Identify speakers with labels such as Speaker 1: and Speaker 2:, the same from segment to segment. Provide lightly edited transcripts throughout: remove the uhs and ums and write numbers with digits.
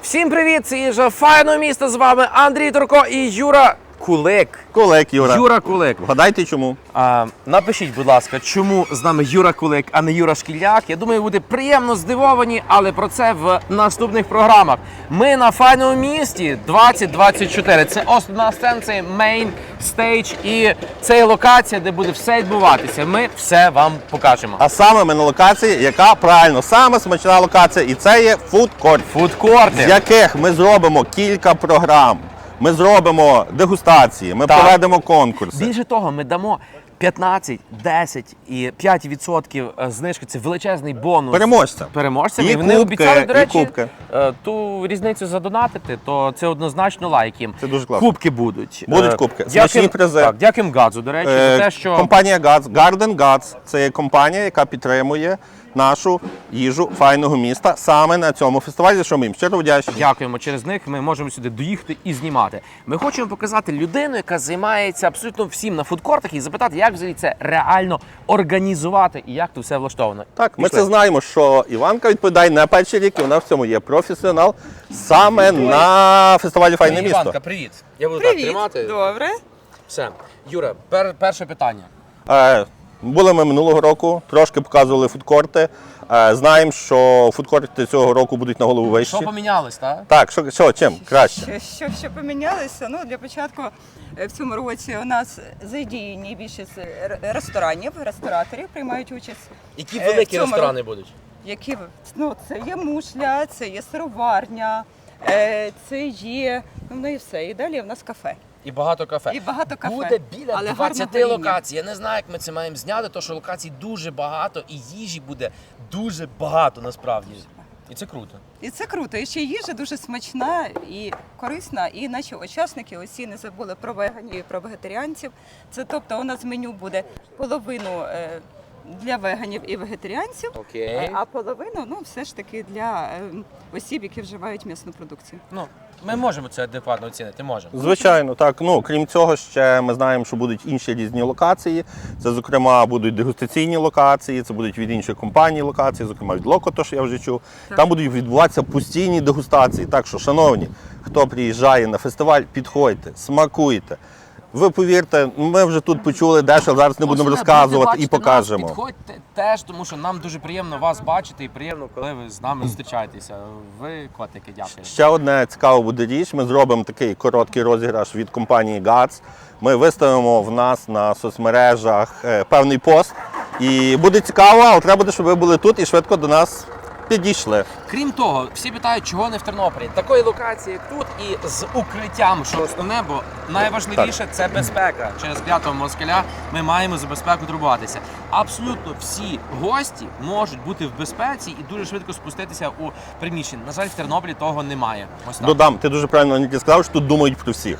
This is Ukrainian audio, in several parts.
Speaker 1: Всім привіт! Це їжа файного міста. З вами Андрій Турко і Юра Кулик.
Speaker 2: Кулик, Юра.
Speaker 1: Юра Кулик.
Speaker 2: Вгадайте чому?
Speaker 1: Напишіть, будь ласка, чому з нами Юра Кулик, а не Юра Шкільняк. Я думаю, ви будете приємно здивовані, але про це в наступних програмах. Ми на файному місті 2024. Це основна сцена, це мейн стейдж і це є локація, де буде все відбуватися. Ми все вам покажемо.
Speaker 2: А саме ми на локації, яка правильно, саме смачна локація, і це є фудкорт.
Speaker 1: Фудкорти.
Speaker 2: З яких ми зробимо кілька програм. Ми зробимо дегустації, ми проведемо конкурси.
Speaker 1: Більше того, ми дамо 15, 10 і 5% знижки. Це величезний бонус. Переможцям.
Speaker 2: І
Speaker 1: вони
Speaker 2: кубки,
Speaker 1: обіцяли, до речі,
Speaker 2: і кубки.
Speaker 1: Ту різницю задонатити, то це однозначно лайк їм.
Speaker 2: Це дуже класно.
Speaker 1: Кубки будуть.
Speaker 2: Будуть кубки. Смачні призи.
Speaker 1: Так, дякуємо Гадзу, до речі, за те, що...
Speaker 2: Компанія Гадз, Garden Guts, це є компанія, яка підтримує нашу їжу файного міста саме на цьому фестивалі, за що ми їм щиро вдячні.
Speaker 1: Дякуємо. Через них ми можемо сюди доїхати і знімати. Ми хочемо показати людину, яка займається абсолютно всім на фудкортах, і запитати, як взагалі це реально організувати і як тут все влаштовано.
Speaker 2: Так, ми це знаємо, що Іванка відповідає на перший рік, і вона в цьому є професіонал саме на фестивалі Файне місто.
Speaker 1: Іванка, привіт. Я буду
Speaker 3: Привіт.
Speaker 1: так тримати.
Speaker 3: Добре.
Speaker 1: Все. Юра, перше питання.
Speaker 2: Були ми минулого року, трошки показували фудкорти. Знаємо, що фудкорти цього року будуть на голову вищі.
Speaker 1: Що помінялось, так?
Speaker 2: Так, чим краще?
Speaker 3: Що помінялося? Ну, для початку в цьому році у нас задіяні більшість ресторанів, рестораторів приймають участь.
Speaker 1: Які
Speaker 3: в
Speaker 1: великі
Speaker 3: цьому
Speaker 1: ресторани будуть?
Speaker 3: Які, ну, це є мушля, це є сироварня, це є, ну і все. І далі в нас кафе.
Speaker 1: І багато кафе.
Speaker 3: І багато кафе.
Speaker 1: Буде біля
Speaker 3: Але
Speaker 1: 20
Speaker 3: гарного
Speaker 1: локацій. Я не знаю, як ми це маємо зняти, тому що локацій дуже багато і їжі буде дуже багато насправді. І це круто.
Speaker 3: І це круто. І ще їжа дуже смачна і корисна. І наші учасники усі не забули про веганів і про вегетаріанців. Це тобто у нас меню буде половину для веганів і вегетаріанців,
Speaker 1: Окей.
Speaker 3: а половину ну, все ж таки для осіб, які вживають м'ясну продукцію.
Speaker 1: Ну, ми можемо це адекватно оцінити, можемо.
Speaker 2: Звичайно, так. Ну, крім цього, ще ми знаємо, що будуть інші різні локації. Це, зокрема, будуть дегустаційні локації, це будуть від інших компаній локації, зокрема від Локо, то, що я вже чув.
Speaker 3: Так.
Speaker 2: Там будуть відбуватися постійні дегустації. Так що, шановні, хто приїжджає на фестиваль, підходьте, смакуйте. Ви повірте, ми вже тут почули дещо, зараз не будемо розказувати і покажемо.
Speaker 1: Підходьте теж, тому що нам дуже приємно вас бачити і приємно, коли ви з нами зустрічаєтеся. Ви, котики, дякую.
Speaker 2: Ще одне цікава буде річ, ми зробимо такий короткий розіграш від компанії Guts. Ми виставимо в нас на соцмережах певний пост. І буде цікаво, але треба буде, щоб ви були тут і швидко до нас підійшли.
Speaker 1: Крім того, всі питають, чого не в Тернополі. Такої локації, як тут, і з укриттям, що основне, бо найважливіше – це безпека. Через клятого москаля ми маємо за безпеку турбуватися. Абсолютно всі гості можуть бути в безпеці і дуже швидко спуститися у приміщення. На жаль, в Тернополі того немає. Ось так.
Speaker 2: Додам, ти дуже правильно Нікі, сказав, що тут думають про всіх.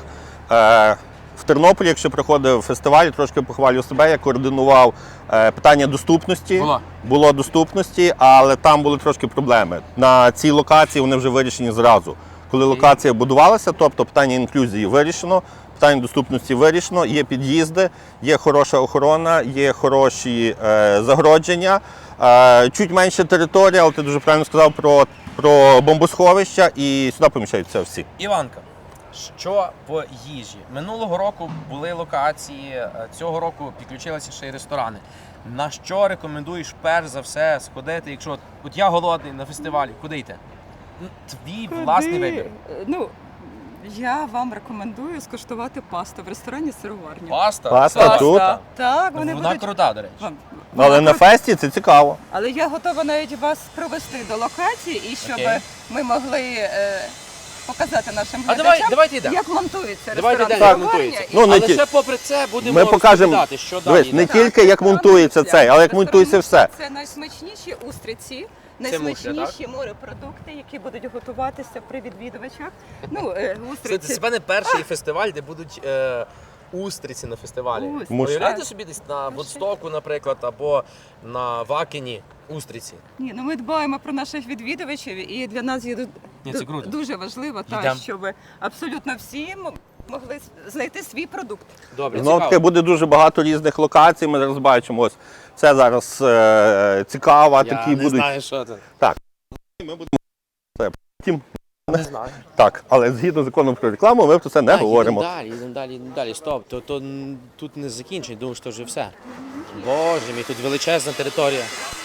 Speaker 2: В Тернополі, якщо приходив фестиваль, трошки похвалю себе, я координував питання доступності. Було доступності, але там були трошки проблеми. На цій локації вони вже вирішені зразу. Коли локація будувалася, тобто питання інклюзії вирішено, питання доступності вирішено, є під'їзди, є хороша охорона, є хороші загородження, чуть менше територія, але ти дуже правильно сказав про бомбосховища, і сюди поміщаються всі.
Speaker 1: Іванка, що по їжі? Минулого року були локації, цього року підключилися ще й ресторани. На що рекомендуєш перш за все сходити, якщо от я голодний на фестивалі, куди йти? Твій власний вибір.
Speaker 3: Ну, я вам рекомендую скуштувати пасту в ресторані «Сироварня».
Speaker 2: Паста тут?
Speaker 3: Так, вони
Speaker 1: Вона
Speaker 3: будуть...
Speaker 1: крута, до речі.
Speaker 2: Але на фесті це цікаво.
Speaker 3: Але я готова навіть вас провести до локації, і щоб
Speaker 1: Окей.
Speaker 3: ми могли показати нашим
Speaker 1: А
Speaker 3: глядачам,
Speaker 1: давайте йдемо.
Speaker 3: як монтується
Speaker 1: Давайте
Speaker 3: ресторан
Speaker 1: йдемо, як
Speaker 3: «Сироварня».
Speaker 1: монтується.
Speaker 3: І-
Speaker 2: Ну, не
Speaker 1: Але
Speaker 2: ті-
Speaker 1: ще попри це будемо
Speaker 2: Ми покажемо,
Speaker 1: розповідати, що
Speaker 2: дивись,
Speaker 1: далі.
Speaker 2: не
Speaker 1: йде.
Speaker 2: тільки як монтується цей, але як монтується все.
Speaker 3: Це найсмачніші устриці,
Speaker 1: Це мушля,
Speaker 3: найсмачніші морепродукти, які будуть готуватися при відвідувачах. Ну,
Speaker 1: Це
Speaker 3: устриці.
Speaker 1: це не перший фестиваль, де будуть устриці на фестивалі.
Speaker 3: Устриці.
Speaker 1: Уявляєте
Speaker 3: Так.
Speaker 1: собі десь на Вудстоку, наприклад, або на Вакені устриці.
Speaker 3: Ні, ну ми дбаємо про наших відвідувачів, і для нас є
Speaker 1: Ні, це круто.
Speaker 3: дуже важливо,
Speaker 1: Йдем.
Speaker 3: щоб абсолютно всі могли знайти свій продукт.
Speaker 1: Добре,
Speaker 2: Знову таки буде дуже багато різних локацій. Ми зараз бачимо, ось це зараз цікаво,
Speaker 1: Я
Speaker 2: такі
Speaker 1: не
Speaker 2: будуть.
Speaker 1: знаю, що це.
Speaker 2: Так. Ми будемо це потім
Speaker 1: Не знаю.
Speaker 2: Так, але згідно закону про рекламу, ми про це не говоримо.
Speaker 1: Їдемо далі. Стоп, тут не закінчення, думаю, що вже все. Боже мій, тут величезна територія.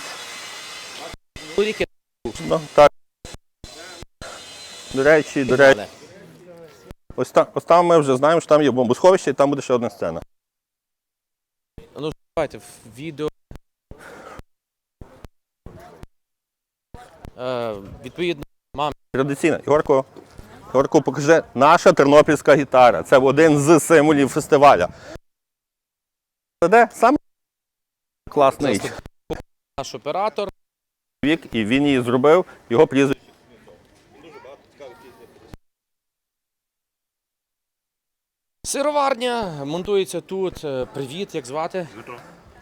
Speaker 1: Ріки.
Speaker 2: Ну, так. До речі, ось там ми вже знаємо, що там є бомбосховище, і там буде ще одна сцена.
Speaker 1: Ну, давайте, в відео. Відповідно,
Speaker 2: Традиційно. Ігорко, покажи, наша тернопільська гітара. Це один з символів фестиваля. Це де? Саме класний
Speaker 1: наш оператор.
Speaker 2: вік, і він її зробив, його прізвище.
Speaker 1: Сироварня монтується тут. Привіт, як звати?
Speaker 4: Дмитро.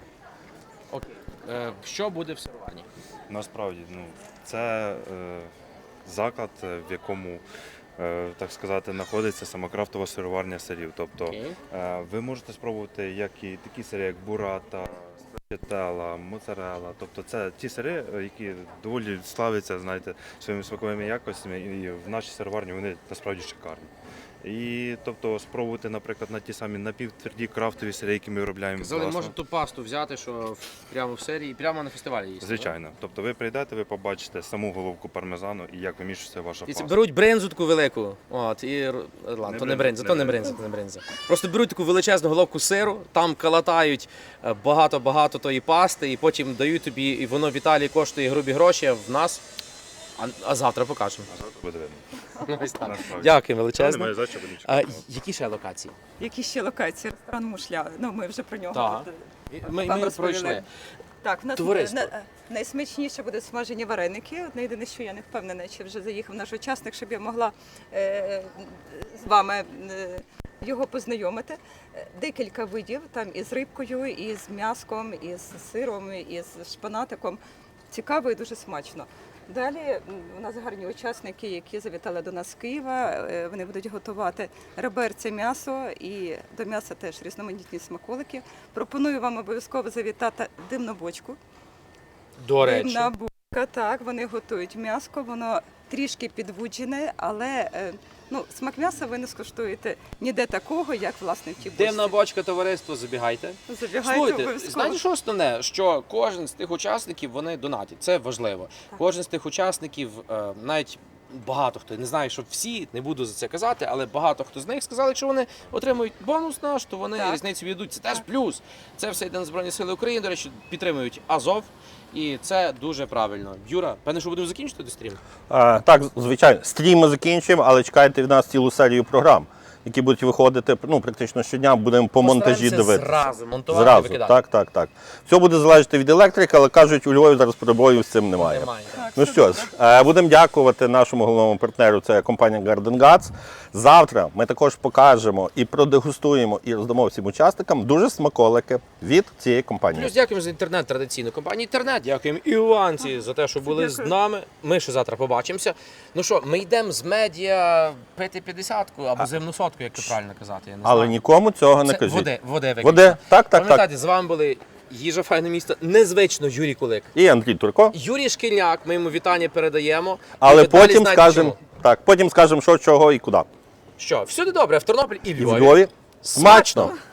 Speaker 1: Що буде в сироварні?
Speaker 4: Насправді, це заклад, в якому, так сказати, знаходиться сама крафтова сироварня сирів. Тобто
Speaker 1: Окей.
Speaker 4: ви можете спробувати як і такі сири, як бурата, страчетела, моцарелла. Тобто це ті сири, які доволі славляться, знаєте, своїми смаковими якостями, і в нашій сироварні вони насправді шикарні. І тобто спробувати, наприклад, на ті самі напівтверді крафтові сири, які ми виробляємо.
Speaker 1: Казали,
Speaker 4: власно.
Speaker 1: можна ту пасту взяти, що прямо в серії, прямо на фестивалі їсти.
Speaker 4: Звичайно. Тобто ви прийдете, ви побачите саму головку пармезану і як вимішується ваша
Speaker 1: І це
Speaker 4: паста.
Speaker 1: беруть бринзу таку велику. От, і ладно, то не бринза. Просто беруть таку величезну головку сиру, там калатають багато тої пасти, і потім дають тобі, і воно в Італії коштує грубі гроші, а в нас. А завтра покажемо.
Speaker 4: А завтра буде видно.
Speaker 1: Ось так.
Speaker 4: Насправді.
Speaker 1: Дякую
Speaker 4: Немає
Speaker 1: величезно.
Speaker 4: за що, бо нічого.
Speaker 1: Які ще локації?
Speaker 3: Які ще локації? Ресторан Мушля. Ну, ми вже про нього
Speaker 1: Так. Ми
Speaker 3: вам розповіли.
Speaker 1: пройшли.
Speaker 3: Так, в нас
Speaker 1: Товариство.
Speaker 3: найсмачніше буде смажені вареники. Одне єдине, що я не впевнена, чи вже заїхав наш учасник, щоб я могла з вами його познайомити. Декілька видів, там із рибкою, і з м'яском, і з сиром, і з шпанатиком. Цікаво і дуже смачно. Далі у нас гарні учасники, які завітали до нас з Києва. Вони будуть готувати реберця м'ясо і до м'яса теж різноманітні смаколики. Пропоную вам обов'язково завітати димну бочку.
Speaker 1: До речі.
Speaker 3: Димна бочка, так, вони готують м'ясо, воно трішки підвуджене, але смак м'яса ви не скуштуєте ніде такого, як власне в тій бочці.
Speaker 1: Димна бочка, товариство, забігайте.
Speaker 3: Забігайте
Speaker 1: Слухайте,
Speaker 3: обов'язково.
Speaker 1: знаєте, що основне? Що кожен з тих учасників, вони донатять. Це важливо. Кожен з тих учасників, навіть багато хто, не знаю, що всі, не буду за це казати, але багато хто з них сказали, якщо вони отримують бонус наш, то вони
Speaker 3: Так.
Speaker 1: різницю віддадуть. Це теж плюс. Це все йде на Збройні Сили України, до речі, підтримують Азов. І це дуже правильно. Юра, певне, що будемо закінчити стрім?
Speaker 2: Так, звичайно, стрім ми закінчуємо, але чекайте від нас цілу серію програм, які будуть виходити практично щодня, будемо по монтажі дивитися.
Speaker 1: Зразу монтувати, викидати.
Speaker 2: Так. Все буде залежати від електрики, але кажуть, у Львові зараз проблемів з цим немає.
Speaker 1: Так.
Speaker 2: Ну що ж, будемо дякувати нашому головному партнеру, це компанія Garden Guts. Завтра ми також покажемо і продегустуємо, і роздамо всім учасникам дуже смаколики від цієї компанії.
Speaker 1: Плюс дякуємо за інтернет, традиційну компанію інтернет. Дякуємо Іванці за те, що були з нами. Ми ще завтра побачимося. Ну що, ми йдемо з медіа пити 50-ку або зимну сотку, як це правильно казати. Я не
Speaker 2: Але
Speaker 1: знаю.
Speaker 2: нікому цього не
Speaker 1: Це
Speaker 2: кажіть.
Speaker 1: води виключно.
Speaker 2: Води, так.
Speaker 1: Пам'ятайте, з вами були Їжа Файне місто, незвично Юрій Кулик.
Speaker 2: І Андрій Турко.
Speaker 1: Юрій Шкільняк, ми йому вітання передаємо.
Speaker 2: Але
Speaker 1: І далі
Speaker 2: потім
Speaker 1: знаєте
Speaker 2: скажемо,
Speaker 1: чому.
Speaker 2: що, чого і куди.
Speaker 1: Що, всюди добре, в Тернополі і в
Speaker 2: І в
Speaker 1: Львові.
Speaker 2: Львові смачно!